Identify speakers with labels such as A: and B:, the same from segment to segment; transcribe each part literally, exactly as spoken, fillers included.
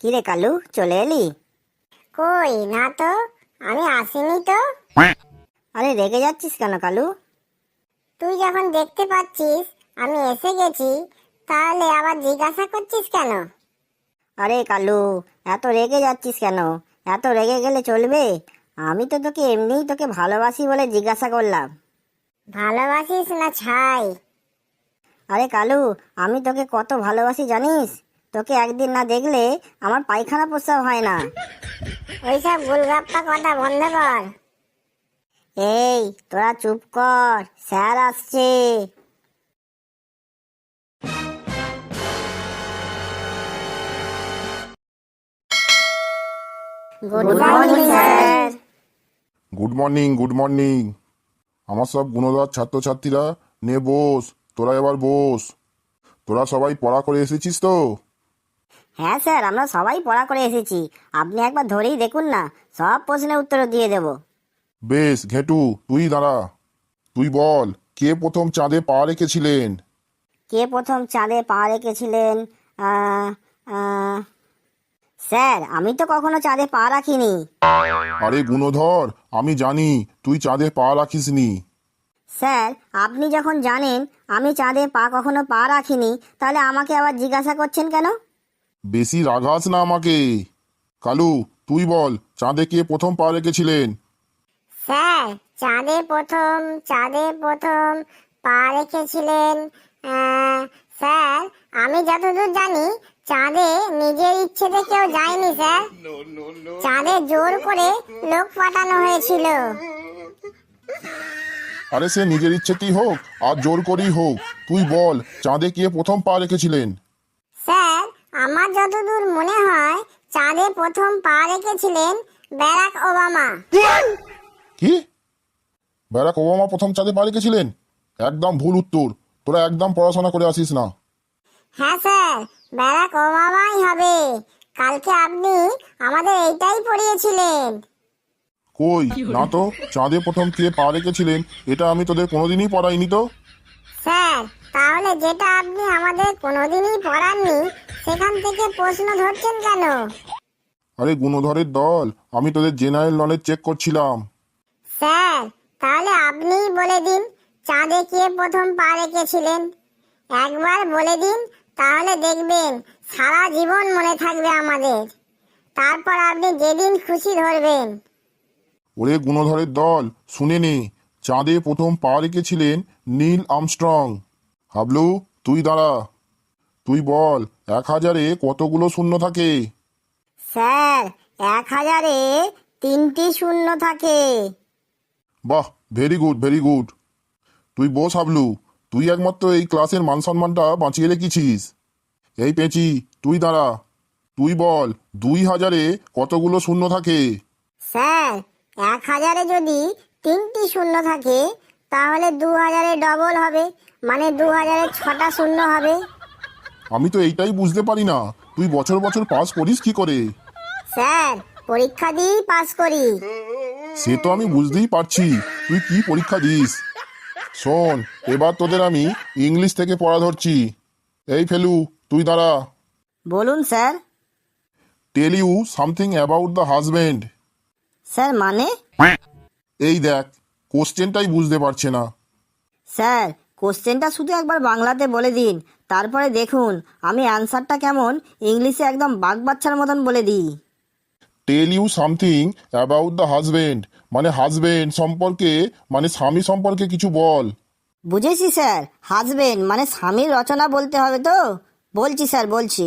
A: কিরে কালু, চলে এলি?
B: কই না তো, আমি আসিনি তো।
A: আরে রেগে যাচ্ছিস কেন কালু?
B: তুই যখন দেখতে পাচ্ছিস আমি এসে গেছি, তাহলে আবার জিজ্ঞাসা করছিস কেন?
A: আরে কালু, এত রেগে যাচ্ছিস কেন? এত রেগে গেলে চলবে? আমি তো তোকে এমনিই তোকে ভালোবাসি বলে জিজ্ঞাসা করলাম।
B: ভালোবাসিস না ছাই?
A: আরে কালু, আমি তোকে কত ভালোবাসি জানিস? তোকে একদিন না দেখলে আমার পায়খানা প্রস্রাব হয় না।
B: ওইসব গোলগাপ্পা কথা বন্ধ কর।
A: এই তোরা চুপ কর, স্যার আসছে।
B: Good morning sir.
C: Good morning good morning আমার সব গুণধর ছাত্রছাত্রীরা, নে বস, তোরা এবার বস। তোরা সবাই পড়া করে এসেছিস তো?
A: হ্যাঁ স্যার, আমরা সবাই পড়া করে এসেছি। আপনি একবার ধরেই দেখুন না, সব প্রশ্নের উত্তর দিয়ে দেব।
C: বেশ, ঘেটু তুই দাঁড়া। তুই বল, কে প্রথম চাঁদে পা রেখেছিলেন?
A: কে প্রথম চাঁদে পা রেখেছিলেন? আহ, আহ, স্যার, আমি তো কখনো চাঁদে পা রাখিনি।
C: আরে গুণধর, আমি জানি তুই চাঁদে পা রাখিসনি।
A: স্যার, আপনি যখন জানেন আমি চাঁদে পা কখনো পা রাখিনি, তাহলে আমাকে আবার জিজ্ঞাসা করছেন কেন?
C: বেশি রাগাস না আমাকে। কালু, তুই বল, চাঁদে কে প্রথম পা রেখেছিলেন?
B: স্যার, চাঁদে প্রথম চাঁদে প্রথম পা রেখেছিলেন, আহ, স্যার আমি যতদূর জানি চাঁদে নিজের ইচ্ছেতে কেউ যায়নি স্যার। চাঁদে জোর করে লোক পাঠানো হয়েছিল।
C: আরে সে নিজের ইচ্ছেতেই হোক আর জোর করেই হোক, তুই বল চাঁদে কে প্রথম পা রেখেছিলেন?
B: স্যার, আমার যতদূর মনে হয় চাঁদে প্রথম পা রেখেছিলেন ব্যারাক ওবামা।
C: কি? ব্যারাক ওবামা প্রথম চাঁদে পা রেখেছিলেন? একদম ভুল উত্তর। তোরা একদম পড়াশোনা করে আসিস না।
B: হ্যাঁ স্যার, ব্যারাক ওবামাই হবে। কালকে আপনি আমাদের এইটাই পড়িয়েছিলেন।
C: কই না তো, চাঁদে প্রথম কে পা রেখেছিলেন এটা আমি তোদের কোনোদিনই পড়াইনি তো।
B: স্যার, তাহলে যেটা আপনি আমাদের কোনোদিনই পড়াননি সেখান থেকে প্রশ্ন ধরছেন কেন?
C: আরে গুণধরের দল, আমি তোদের জেনারেল নলেজ চেক করছিলাম।
B: স্যার, তাহলে আপনিই বলে দিন চাঁদে কে প্রথম পা রেখেছিলেন। একবার বলে দিন, তাহলে দেখবেন সারা জীবন মনে থাকবে আমাদের। তারপর আপনি যেদিন খুশি ধরবেন।
C: ওরে গুণধরের দল, শুনে নে, চাঁদে প্রথম পা রেখেছিলেন নীল আর্মস্ট্রং। হাবলু, তুই দাঁড়া। তুই বল, এক হাজারে কতগুলো শূন্য থাকে?
A: স্যার, এক হাজারে তিনটি শূন্য থাকে।
C: বাহ, ভেরি গুড ভেরি গুড। তুই বস হাবলু, তুই একমাত্র এই ক্লাসের মান সম্মানটা বাঁচিয়ে রেখেছিস। এই পেঁচি, তুই দাঁড়া। তুই বল, দুই হাজারে কতগুলো শূন্য থাকে?
A: স্যার, এক হাজারে যদি তিনটি শূন্য থাকে তাহলে দু হাজারে ডবল হবে, মানে দু হাজারে ছটা শূন্য হবে।
C: আমি তো এইটাই বুঝতে পারি না, তুই বছর বছর পাস করিস কি করে?
A: স্যার, পরীক্ষা দিয়েই পাস করি।
C: সে তো আমি বুঝতেই পারছি তুই কি পরীক্ষা দিস। শোন, এবার তোদের আমি ইংলিশ থেকে পড়া ধরছি। এই ফেলু, তুই দাঁড়া।
A: বলুন sir.
C: Tell you something about the husband.
A: Sir মানে?
C: এই দেখ, কোশ্চেনটাই বুঝতে পারছে না।
A: স্যার, কোশ্চেনটা শুধু একবার বাংলাতে বলে দিন, তারপরে দেখুন আমি অ্যান্সারটা কেমন ইংলিশে একদম বাগ বাচ্চার মতন বলে দিই।
C: Tell you something about the husband মানে হাজব্যান্ড সম্পর্কে, মানে স্বামী সম্পর্কে কিছু বল।
A: বুঝেছি স্যার, হাজবেন্ড মানে স্বামীর রচনা বলতে হবে তো। বলছি স্যার, বলছি।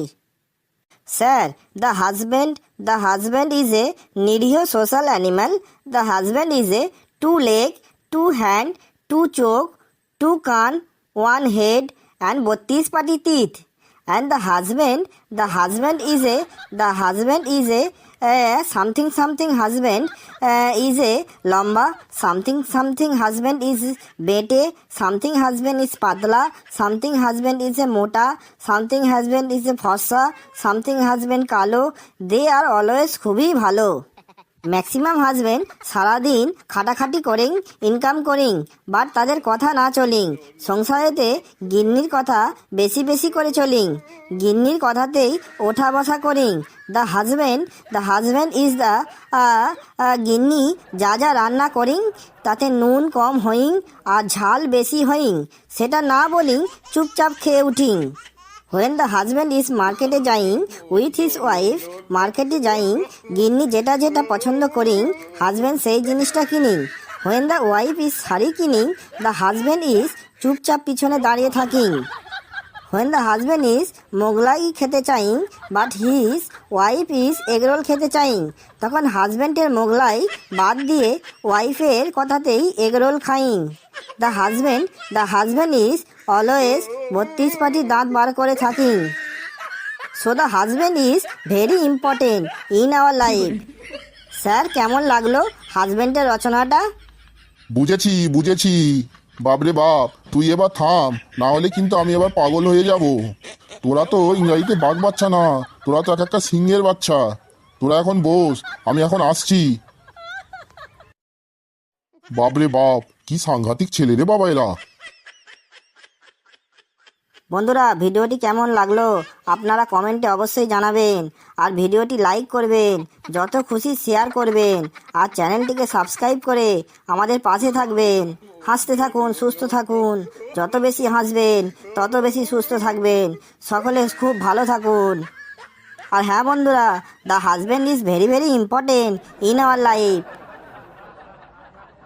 A: Sir, the husband the husband is a নিরীহ social animal. The husband is a two leg, two hand, two চোখ, টু কান, ওয়ান হেড অ্যান্ড বত্রিশ পাটি teeth. And the husband the husband is a the husband is a something something husband is a লম্বা, something something husband is বেটে, something husband is পাতলা, something husband is a মোটা, something husband is এ ফর্সা, something husband কালো। দে are always খুবই ভালো। Maximum husband সারাদিন খাটাখাটি করেন, ইনকাম করেন, বাট তাদের কথা না চলিং। সংসারেতে গিন্নির কথা বেশি বেশি করে চলিং, গিন্নির কথাতেই ওঠা বসা করিং। The husband the husband is the গিন্নি যা যা রান্না করিং তাতে নুন কম হইং আর ঝাল বেশি হইং, সেটা না বলিং, চুপচাপ খেয়ে উঠিং। When the husband is মার্কেটে যাইং উইথ হিজ ওয়াইফ, মার্কেটে যাইং, গিন্নি যেটা যেটা পছন্দ করিং, হাজব্যান্ড সেই জিনিসটা কিনিং। When the wife is sari কিনিং, the husband is চুপচাপ পিছনে দাঁড়িয়ে থাকিং। When the husband is Mughlai খেতে চাইং but his wife is egg roll খেতে চাইং, তখন হাজব্যান্ডের মোগলাই বাদ দিয়ে ওয়াইফের কথাতেই এগরোল খাইং। The husband the husband is always বত্রিশ পাটি দাঁত বার করে থাকিং। So the husband is very important in our life. Sir, কেমন লাগলো হাজব্যান্ডের রচনাটা?
C: বুঝেছি বুঝেছি। বাপরে বাপ, তুই এবার থাম, না হলে কিন্তু আমি এবার পাগল হয়ে যাব। তোরা তো ইংরাজিতে বাঘ বাচ্চা না, তোরা তো এক একটা সিংহের বাচ্চা। তোরা এখন বস, আমি এখন আসছি। বাপরে বাপ, কি সাংঘাতিক ছেলে রে বাবা এরা।
A: বন্ধুরা, ভিডিওটি কেমন লাগলো আপনারা কমেন্টে অবশ্যই জানাবেন, আর ভিডিওটি লাইক করবেন, যত খুশি শেয়ার করবেন, আর চ্যানেলটিকে সাবস্ক্রাইব করে আমাদের পাশে থাকবেন। হাসতে থাকুন, সুস্থ থাকুন, যত বেশি হাসবেন তত বেশি সুস্থ থাকবেন। সকলে খুব ভালো থাকুন। আর হ্যাঁ বন্ধুরা, the husband is very very important in our life.